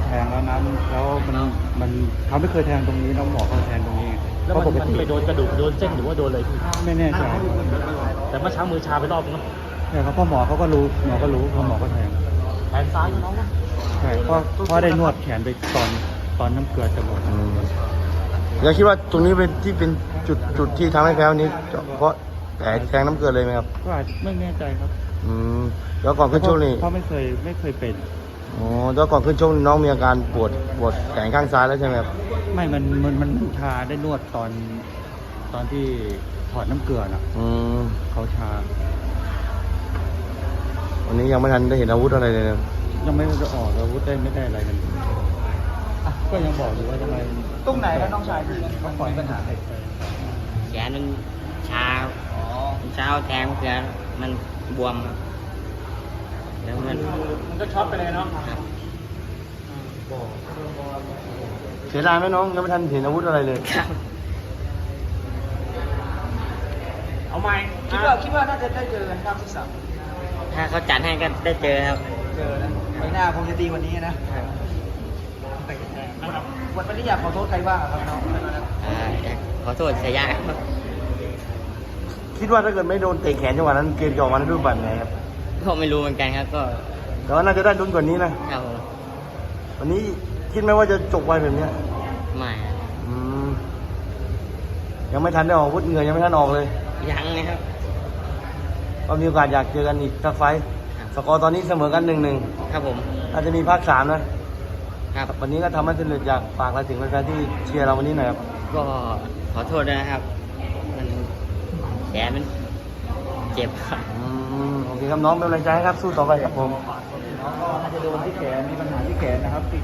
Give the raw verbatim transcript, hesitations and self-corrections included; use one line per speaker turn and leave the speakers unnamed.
แทงแล้วนะแล้วมันมันเขาไม่เคยแทงตรงนี้แล้วหมอเขาแทงตรงนี้
แล้ว
เพราะ
มัน
ปก
มัน
ติ
ไปโดนกระดูกโดนเส้นหรือว่าโดนอะไรพี่
ไม่แน่ใจ
แต่เมื่อเช้ามือชาไปรอบนึงเนอะ
ใช่ครับเพราะหมอเขาก็รู้หมอก็รู้เพราะหมอก็แทง
แขนซ้ายน้องนะ
ใช่เพราะเพราะได้นวดแขนไปตอนตอนน้ำเกลือจะหมด
อืมยังคิดว่าตรงนี้เป็นที่เป็นจุดจุดที่ทำให้แพ้วันนี้เพราะแผลแทงน้ำเกลือเลยไหมครับ
ก็อาจไม่แน่ใจครับ
อืมแล้วก่อนขึ้นชกนี่
เพราะไม่เคยไม่เคยเป็น
อ๋อแล้วก่อนขึ้นชกน้องมีอาการปวดปวดแขนข้างซ้ายแล้วใช่ไหมครับ
ไม่มันมันมันชาได้นวดตอนตอนที่ถอดน้ำเกลือน่ะ
อืม
เขาชา
วันนี้ยังไม่ทันได้เห็นอาวุธอะไรเลยนะ
ยังไม่ได้ออกอาวุธได้ไม่ได้อะไรกันอ่ะก็ยังบอกอยู่ว่าทำไม
ตรงไหนครับน้องชายที่
เขาปล่อยปัญหาเด็กไป
แขนมันชาเช้าแทงเสือมันบวมครับแล้วมัน
มันก็ช็อตไปเลยเนาะ
ครับ
เสียดายไหมน้องยังไม่ทันเห็นอาวุธอะไรเลย
ครับ
เอาไม้
คิดว่าคิดว่าน่าจะได้เจอกันครับที่สาม
ถ้าเขาจัดให้ก็ได้เจอครับ
เจอนะไฟหน้าคงจะดีกว่านี้นะวันนี้อยากขอโทษใครบ้างอะครับน้อง
อ่าขอโทษเสียยะครับ
คิดว่าถ้าเกิดไม่โดนเตะแขนจังหวะนั้นเกมจะออกมาในรูปแบบไหนครับ
ก็ไม่รู้เหมือนกันครับก็
แต่ว่าน่าจะได้ลุ้นกว่านี้นะครับ
ผม
วันนี้คิดไหมว่าจะจบไวแบบเนี้ย
ไม่ครับ
อืมยังไม่ทันได้ออกอาวุธเหงื่อยังไม่ทันออกเลย
ยังนะครับ
ก็มีโอกาสอยากเจอกันอีกสักไฟต์
ครับ
สกอร์ตอนนี้เสมอกันหนึ่งหนึ่ง
ครับผม
อาจจะมีภาคสามนะครับ วันนี้ก็ทำให้สำเร็จอยากฝากอะไรถึงแฟนๆที่เชียร์เราวันนี้หน่อยครับ
ก็ขอโทษด้วยนะครับ มันแขนมันเจ็บครับ
อืมโอเคครับน้องเป็นกำลังใจให้ครับสู้ต่อไปครับผม
น้องก็น่าจะโดนที่แขนมีปัญหาที่แขนนะครับ